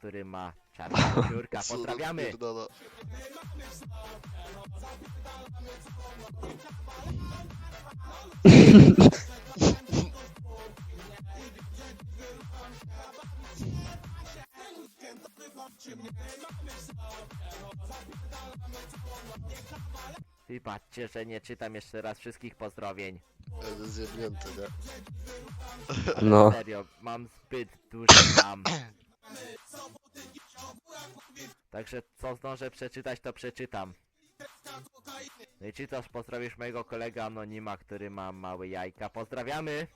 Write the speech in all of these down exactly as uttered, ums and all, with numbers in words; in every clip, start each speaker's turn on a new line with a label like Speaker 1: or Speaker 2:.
Speaker 1: który ma czarnego piórka.
Speaker 2: Co za
Speaker 1: Pozdrawiamy!
Speaker 2: pierdala.
Speaker 1: I patrzcie, że nie czytam jeszcze raz wszystkich pozdrowień.
Speaker 2: Jest zjebnięty, nie?
Speaker 3: No.
Speaker 1: Serio, mam zbyt duży tam. Także co zdążę przeczytać, to przeczytam. No i czy też pozdrowisz mojego kolegę Anonima, który ma małe jajka. Pozdrawiamy!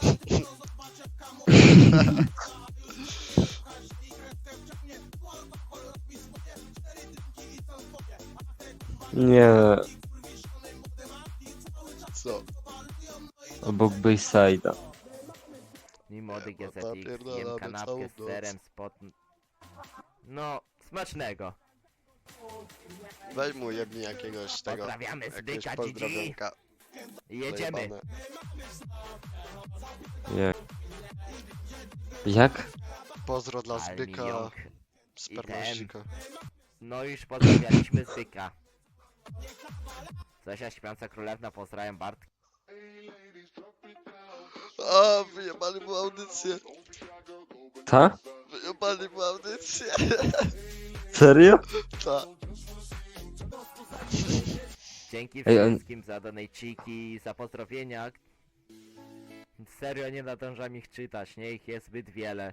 Speaker 3: Nie,
Speaker 2: Co?
Speaker 3: obok Bayside'a.
Speaker 1: I młody
Speaker 2: Nie, no
Speaker 1: G Z
Speaker 2: ta
Speaker 1: X,
Speaker 2: pierdolamy
Speaker 1: jem
Speaker 2: całą
Speaker 1: kanapkę z
Speaker 2: noc.
Speaker 1: serem, spod... No, smacznego.
Speaker 2: Weź mu jebni jakiegoś tego...
Speaker 1: Pozdrawiamy
Speaker 2: Jakiegoś
Speaker 1: Zbyka G G.
Speaker 2: pozdrowionka.
Speaker 1: Jedziemy.
Speaker 2: Zajebane.
Speaker 3: Nie. Jak?
Speaker 2: Pozdro dla
Speaker 1: Almi
Speaker 2: Zbyka,
Speaker 1: Jąk.
Speaker 2: spermaścika.
Speaker 1: No już pozdrawialiśmy Zbyka. Zosia Śpiąca Królewna, pozdrawiam Bart.
Speaker 2: A, wyjebali mu audycję.
Speaker 3: Ta?
Speaker 2: Wyjebali mu audycję.
Speaker 3: Serio?
Speaker 2: Ta.
Speaker 1: Dzięki
Speaker 3: Ej, on-
Speaker 1: wszystkim za donejciki, za pozdrowienia. Serio nie nadążam ich czytać, nie? Ich jest zbyt wiele.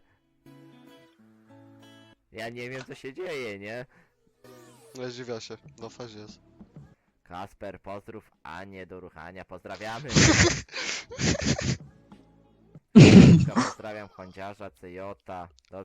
Speaker 1: Ja nie wiem co się dzieje, nie?
Speaker 2: Nie dziwia się, na fazie jest.
Speaker 1: Kasper, pozdrów Anię do ruchania, pozdrawiamy. Pozdrawiam Chądziarza, Cejota.